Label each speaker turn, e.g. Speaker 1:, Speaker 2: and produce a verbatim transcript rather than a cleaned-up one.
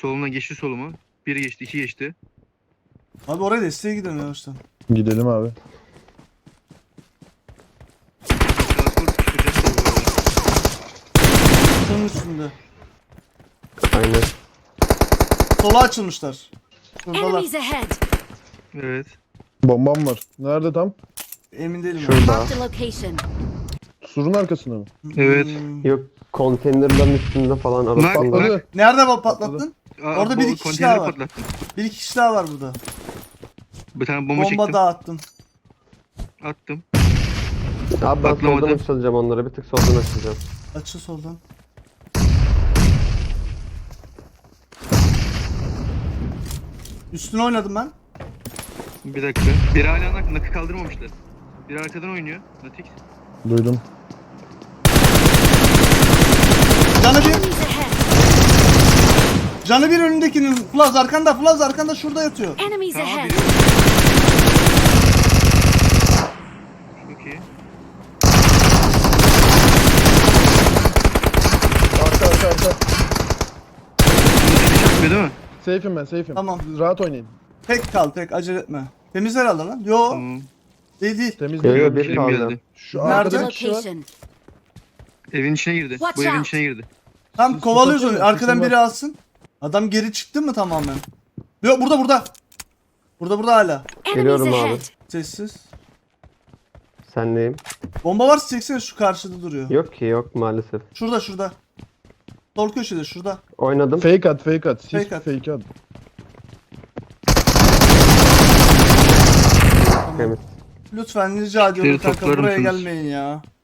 Speaker 1: Soluna geçti soluma. Bir geçti, iki geçti.
Speaker 2: Abi oraya desteğe gidelim yavaştan.
Speaker 3: Gidelim abi.
Speaker 1: Transport çıkacak bu arada.
Speaker 2: Şunun üstünde.
Speaker 4: Aynen.
Speaker 2: Sola açılmışlar. Şuradalar.
Speaker 5: Enemies ahead.
Speaker 1: Evet.
Speaker 3: Bombam var. Nerede tam?
Speaker 2: Emin değilim. ben.
Speaker 4: Şurada.
Speaker 5: Marked a location.
Speaker 3: Surun arkasında mı?
Speaker 1: Evet.
Speaker 2: Hmm.
Speaker 4: Yok, konteynerların üstünde falan arasında.
Speaker 1: Bak,
Speaker 3: Patladı.
Speaker 2: Nerede bak patlattın?
Speaker 1: Aa,
Speaker 2: Orada
Speaker 1: bu
Speaker 2: bir iki kişi
Speaker 1: konteyneri
Speaker 2: daha var.
Speaker 1: patlattım.
Speaker 2: Bir iki kişi daha var burada.
Speaker 1: Bir tane bomba,
Speaker 2: Bomba
Speaker 1: çektim.
Speaker 2: dağıttım.
Speaker 1: Attım.
Speaker 4: Abi ben
Speaker 1: Patlamadı.
Speaker 4: soldan açılacağım onlara. Bir tık soldan açılacağım.
Speaker 2: Açıl soldan. Üstüne oynadım ben.
Speaker 1: Bir dakika. Biri hala nak nakı kaldırmamışlar. Biri arkadan oynuyor. Natik.
Speaker 3: Duydum.
Speaker 2: Canı bir.
Speaker 5: Enemies ahead.
Speaker 2: Canı bir önündekinin. Flaz arkanda. Flaz arkanda şurada yatıyor.
Speaker 5: Enemies
Speaker 1: Tamam
Speaker 5: ahead.
Speaker 1: biri. Çok iyi.
Speaker 3: Arka arka arka.
Speaker 1: Çakmıyor değil mi?
Speaker 3: Safe'im ben safe'im.
Speaker 2: Tamam.
Speaker 3: Rahat oynayın.
Speaker 2: Tek kal tek acele etme. Temiz herhalde lan. Yo
Speaker 1: Tamam.
Speaker 2: değil değil.
Speaker 3: Temiz
Speaker 4: Yo,
Speaker 3: değil.
Speaker 4: yo, bir
Speaker 1: Film
Speaker 4: kaldı.
Speaker 1: geldi.
Speaker 3: Şu
Speaker 2: Nerede?
Speaker 3: arkada
Speaker 5: Marked a
Speaker 3: bir kişi var.
Speaker 5: location.
Speaker 1: Evin içine girdi.
Speaker 5: Watch
Speaker 1: Bu evin
Speaker 5: out.
Speaker 1: içine girdi.
Speaker 2: Tam
Speaker 3: Siz
Speaker 2: kovalıyoruz onu.
Speaker 3: kapatın,
Speaker 2: Arkadan
Speaker 3: sizin
Speaker 2: biri
Speaker 3: var.
Speaker 2: alsın. Adam geri çıktı mı tamamen? Yok burada burada. Burada burada hala.
Speaker 5: Enemies
Speaker 4: Geliyorum abi.
Speaker 5: ahead.
Speaker 2: Sessiz.
Speaker 4: Senleyim.
Speaker 2: Bomba varsa çeksene şu karşıda duruyor.
Speaker 4: Yok ki, yok maalesef.
Speaker 2: Şurada şurada. Sol köşede şurada.
Speaker 4: Oynadım.
Speaker 3: Fake at fake at. Siz
Speaker 2: Fake
Speaker 3: fake
Speaker 2: at.
Speaker 3: at.
Speaker 4: Temiz.
Speaker 2: Lütfen rica ediyorum
Speaker 1: Seni
Speaker 2: kanka
Speaker 1: toplar
Speaker 2: buraya
Speaker 1: mısınız?
Speaker 2: gelmeyin ya.